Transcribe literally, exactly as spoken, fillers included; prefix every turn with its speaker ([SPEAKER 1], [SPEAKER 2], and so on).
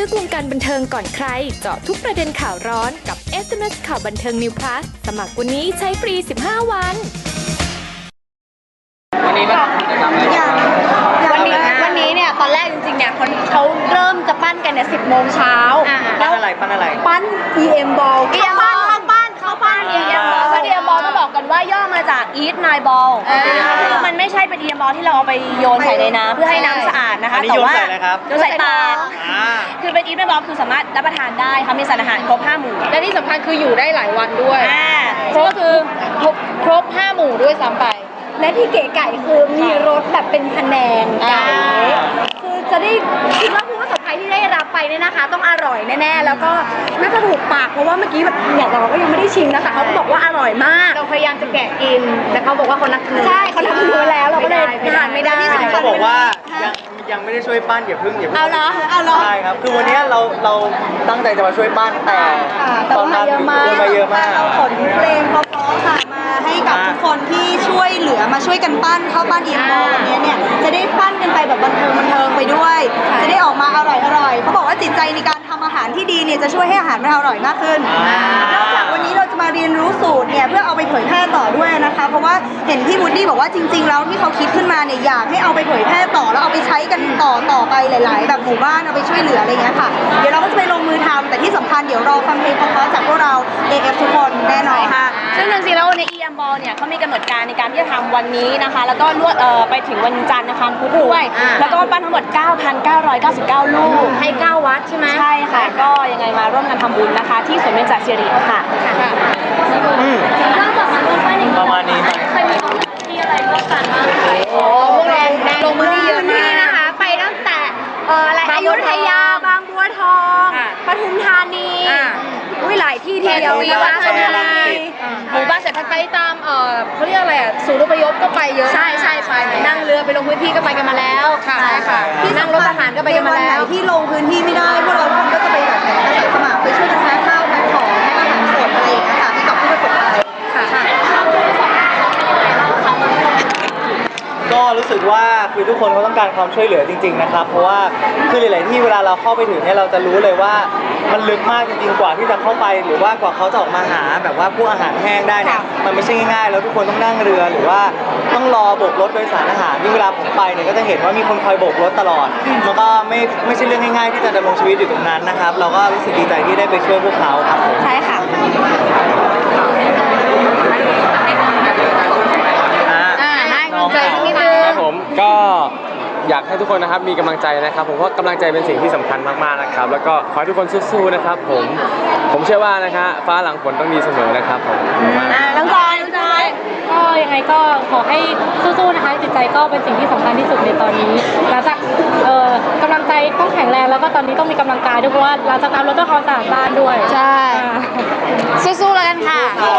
[SPEAKER 1] ลึกวงการบันเทิงก่อนใครเจาะทุกประเด็นข่าวร้อนกับ เอส เอ็ม เอส ข่าวบันเทิง New Plus สมัครวันนี้ใช้ฟรี สิบห้า วัน
[SPEAKER 2] วันนี้แบบจะทำอะไรกัน
[SPEAKER 3] วันนี้วันนี้เนี่ยตอนแรกจริงๆเนี่ยเขาเขาเริ่มจะปั้นกันเนี่ยสิบโมงเช้า
[SPEAKER 2] ปั้นอะไรปั้นอะไร
[SPEAKER 3] ปั้น อี เอ็ม Ball เข้าปั้นเข้าปั้นเข้าปั้น อี เอ็ม Ball ซึ่ง อี เอ็ม Ball ต้องบอกกันว่าย่อมาจาก Eat My Ball คือมันไม่ใช่เป็น อี เอ็ม Ball ที่เราเอาไปโยนใส่ในน้ำเพื่อให้น้ำสะอาดนะคะแต่ว่าโยนใส่ปากคือเป็น Eat My Ball คือสามารถรับประทานได้ค่ะมีสารอาหารครบห้าหมู่
[SPEAKER 4] และที่สำคัญคืออยู่ได้หลายวันด้วยครบคือครบครบห้าหมู่ด้วยซ้ำไป
[SPEAKER 3] และที่เก๋ไก่คือมีรสแบบเป็นพะแนงไก่คือจะได้คิดว่าผู้ประสบภัยที่ได้รับไปเนี่ยนะคะ ต้องอร่อยแน่ๆแล้วก็น่าจะถูกปากเพราะว่าเมื่อกี้แบบเนี่ยเราก็ยังไม่ได้ชิมนะคะเขาบอกว่าอร่อยมาก
[SPEAKER 4] เราพยายามจะแกะกินแต่เขาบอกว่าเขานักเนื้อ
[SPEAKER 3] ใช่เขาทำเนื้อแล้วเราก็เลยทานไม่ได้
[SPEAKER 2] เขาบอกว่ายังยังไม่ได้ช่วยปั้นอย่าพึ่งอย่าพึ่ง
[SPEAKER 3] เอาเหรอเอาเหรอ
[SPEAKER 2] ใช่ครับคือวันนี้เราเราตั้งใจจะมาช่วยปั้นแต่ตอนนั้นคนมาเยอะมาก
[SPEAKER 5] ขนเพลงเพราะๆค่ะมาให้กับทุกคนที่ช่วยเหลือมาช่วยกันปั้นเข้าปั้น อี เอ็ม Ball วันนี้เนี่ยจะได้ปั้นกันไปแบบบันเทิงบันเทิงไปด้วยจะได้ออกมาอร่อยอร่อยเขาบอกว่าจิตใจในการทำอาหารที่ดีเนี่ยจะช่วยให้อาหารมันอร่อยมากขึ้นนอกจากวันนี้เราจะมาเรียนรู้สูตรเนี่ยเพื่อเอาไปเผยแพร่ต่อด้วยนะคะเพราะว่าเห็นพี่วูดดี้บอกว่าจริงๆแล้วที่เขาคิดขึ้นมาเนี่ยอยากให้เอาไปเผยแพร่ต่อแล้วเอาไปใช้กันต่อต่อไปหลายๆแบบหมู่บ้านเอาไปช่วยเหลืออะไรเงี้ยค่ะเดี๋ยวเราก็จะไปลงมือทำแต่ที่สำคัญเดี๋ยวรอฟังเพลงเพราะๆจากพวกเรา เอ เอฟ ทุกคนแน่นอนค่ะ
[SPEAKER 3] ซึ่งจริงๆแล้วใน อี เอ็ม Ball เนี่ยเขามีกำหนดการในการที่จะทำวันนี้นะคะแล้วก็ลวดเอ่อไปถึงวันจันทร์นะคะพุธด้วยแล้วก็ปั้นทั้งหมด เก้าพันเก้าร้อยเก้าสิบเก้า ลูก
[SPEAKER 4] ให้เก้าวัดใช่ไหม
[SPEAKER 3] ใช่ค่ะก็ยังไงมาร่วมกันทำบุญนะคะที่สวนเบญจศิริค่ะ
[SPEAKER 2] นอกจากมาร่วมปั้นอย่างนี้ประมาณนี้ไหม
[SPEAKER 3] เคยมีที่อะไรร่วมกันบ้างคะ
[SPEAKER 4] โอ้พวกเราลงมือที่เยอะมาก
[SPEAKER 3] นะคะไปตั้งแต่เอ่ออะไรอยุธยาบางบัวทองปทุมธานีอุ้ยหลายที่ทีเดียว
[SPEAKER 4] นะคะชลบุรีหมู่บ้านเศรษฐกิจไปตามเอ่อเขาเรียกอะไรอ่ะศูนย์อพยพก็ไปเยอะ
[SPEAKER 3] ใช่ใช่ไป
[SPEAKER 4] นั่งเรือไปลงพื้นที่ก็ไปกันมาแล้วค่ะใช่ค่ะที่นั่งรถทหารก็ไปกันมาแล้ว
[SPEAKER 5] ที่ลงพื้นที่ไม่ได้พวกเราทุกคนก็จะไปแบบอาสาสมัครไปช่วยกันแพ็คข้าวแพ็คของแพ็คอาหารสดอะไรอย่างเงี้ยค่ะให้กับผู้ประสบภัย
[SPEAKER 4] ค่ะ
[SPEAKER 2] ก็รู้สึกว่าคือทุกคนเขาต้องการความช่วยเหลือจริงๆนะครับเพราะว่าคือหลายๆที่เวลาเราเข้าไปถึงเนี่ยเราจะรู้เลยว่ามันลึกมากจริงๆกว่าที่จะเข้าไปหรือว่ากว่าเขาจะออกมาหาแบบว่าพวกอาหารแห้งได้เนี่ยมันไม่ใช่ง่ายๆแล้วทุกคนต้องนั่งเรือหรือว่าต้องรอโบกรถโดยสารอาหารที่เวลาผมไปเนี่ยก็จะเห็นว่ามีคนคอยโบกรถตลอดมันก็ไม่ไม่ใช่เรื่องง่ายๆที่จะดำรงชีวิตอยู่ตรงนั้นนะครับเราก็รู้สึกดีใจที่ได้ไปช่วยพวกเขาครับ
[SPEAKER 3] ใช่ค่ะ
[SPEAKER 6] ครับผมก็อยากให้ทุกคนนะครับมีกำลังใจนะครับผมเพราะกำลังใจเป็นสิ่งที่สำคัญมากๆนะครับแล้วก็ขอให้ทุกคนสู้ๆนะครับผมผมเชื่อว่านะคะฟ้าหลังฝนต้องดีเสมอนะครับผม
[SPEAKER 3] น้องจอยน้องจอย
[SPEAKER 4] ก็ยังไงก็ขอให้สู้ๆนะคะจิตใจก็เป็นสิ่งที่สำคัญที่สุดในตอนนี้หลังจากเอ่อกำลังใจต้องแข็งแรงแล้วก็ตอนนี้ต้องมีกำลังกายด้วยเพราะว่าหลังจากนั้นเราต้องความสะอาดบ้านด้วย
[SPEAKER 3] ใช่สู้ๆแล้วกันค่ะ